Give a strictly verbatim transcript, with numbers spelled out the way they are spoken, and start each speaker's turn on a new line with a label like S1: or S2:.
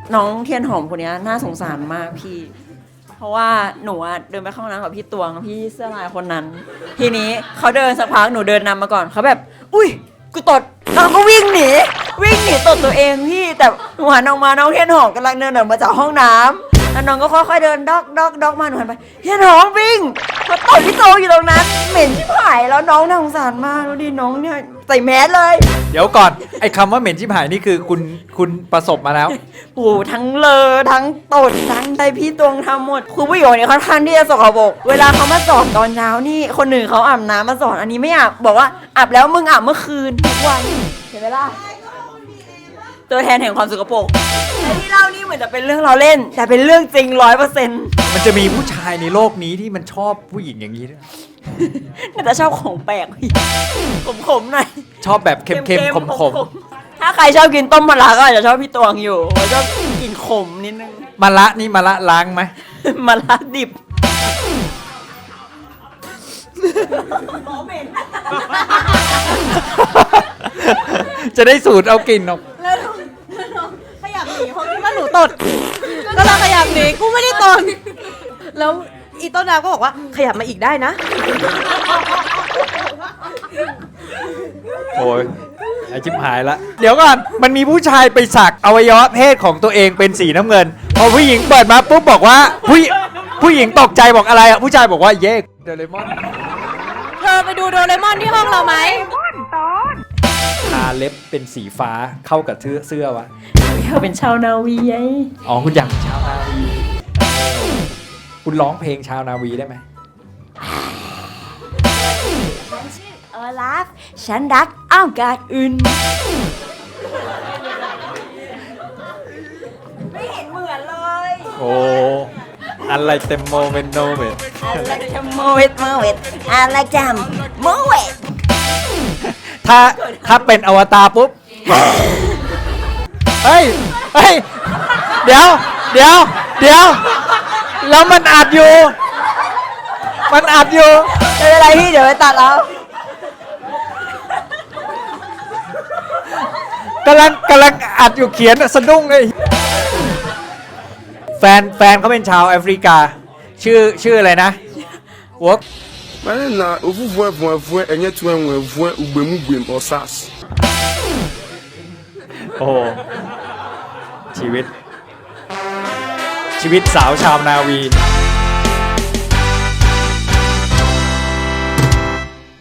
S1: น้องเทียนหอมคนนี้น่าสงสารมากพี่ เพราะว่าหนูอะเดินไปเข้าห้องน้ำกับพี่ตวงพี่เสื้อลายคนนั้น ทีนี้เขาเดินสักพักหนูเดินนำมาก่อนเขาแบบอุ้ยกูตดแล้วก็วิ่งหนีวิ่งหนีตดตัวเองพี่แต่หนูหันออกมาน้องเทียนหอมกำลังเดินออกมาจากห้องน้ำแล้วน้องก็ค่อยๆเดินดอกดอกดอกมาหนูหันไปเทียนหอมวิ่งเขาตดพี่โตอยู่ตรงนั้นเหม็นชิบหายแล้วน้องน่าสงสารมากแล้วดิน้องเนี่ยใส่แมสเลย
S2: เดี๋ยวก่อนไอ้คำว่าเหม็นชิบหายนี่คือคุณคุณประสบมาแล้ว
S1: โอ้โหทั้งเลอทั้งตดทั้งใจพี่ตวงทำหมดคือผู้หญิงคนนี้ค่อนข้างที่จะสกปรกเวลาเขามาสอนตอนเช้านี่คนหนึ่งเขาอาบน้ำมาสอนอันนี้ไม่อาบบอกว่าอาบแล้วมึงอาบเมื่อคืนทุกวันเห็นไหมล่ะตัวแทนแห่งความสกปรกแต่ที่เล่านี่เหมือนจะเป็นเรื่องเราเล่น แต่เป็นเรื่องจริงร้อยเปอร์เซ็นต์
S2: มันจะมีผู้ชายในโลกนี้ที่มันชอบผู้หญิงอย่างนี้ด้วย
S1: น่าจะชอบของแปลกพี่ขมๆหน่อย
S2: ชอบแบบเค็มๆขม
S1: ๆถ้าใครชอบกินต้มมะระก็อาจจะชอบพี่ตวงอยู่ชอบกินขมนิดนึง
S2: ๆมะละนี่มะละล้างไหม
S1: มะระดิบ
S2: จะได้สูตรเอากลิ่นออก
S3: แล้วน้องแล้วน้องขยับหนีเพราะคิดว่าหนูตด ก็เลยขยับหนีกูไม่ได้ตด แล้วอีต้นน้ำก็บอกว่าขยับมาอีกได้นะ
S2: โอ้ยไอชิบหายละเดี๋ยวก่อนมันมีผู้ชายไปสักอวัยวะเพศของตัวเองเป็นสีน้ำเงินพอผู้หญิงเปิดมาปุ๊บบอกว่าผู้ผู้หญิงตกใจบอกอะไรอ่ะผู้ชายบอกว่าเย้โดเรมอน
S3: เธอไปดูโดเรมอนที่ห้องเราไหม
S2: ทาเล็บเป็นสีฟ้าเข้ากับเสื้อเสื้อวะ
S1: อยากเป็นชาวนาวีไง
S2: อ๋อคุณอยากเป็นชาวนาวีคุณร้องเพลงชาวนาวีได้ไหม
S1: เออลาฟฉันรักอ้าวกาดอื่นไม่เห็นเหมือนเลย
S2: โอ้อะไรเต็มโมเมนโนเมน
S1: อะไรจะโมเวตโมเวตอะไรจำโมเวต
S2: ถ้าถ้าเป็นอวตารปุ๊บ เฮ้ย เฮ้ย เดี๋ยว เดี๋ยว เดี๋ยว แล้วมันอัดอยู่ มันอัดอยู่
S1: ไม่เป็นไรพี่เดี๋ยวไปตัดแล้ว
S2: กำลังกำลังอัดอยู่เขียนสะดุ้งเลย แฟนแฟนเขาเป็นชาวแอฟริกา ชื่อชื่ออะไรนะวอก
S4: Mana na ovuvue vue vue enye tu enwe vue ugbemu gbem osas.
S2: โอ้โหชีวิต ชีวิตสาวชาวนาวี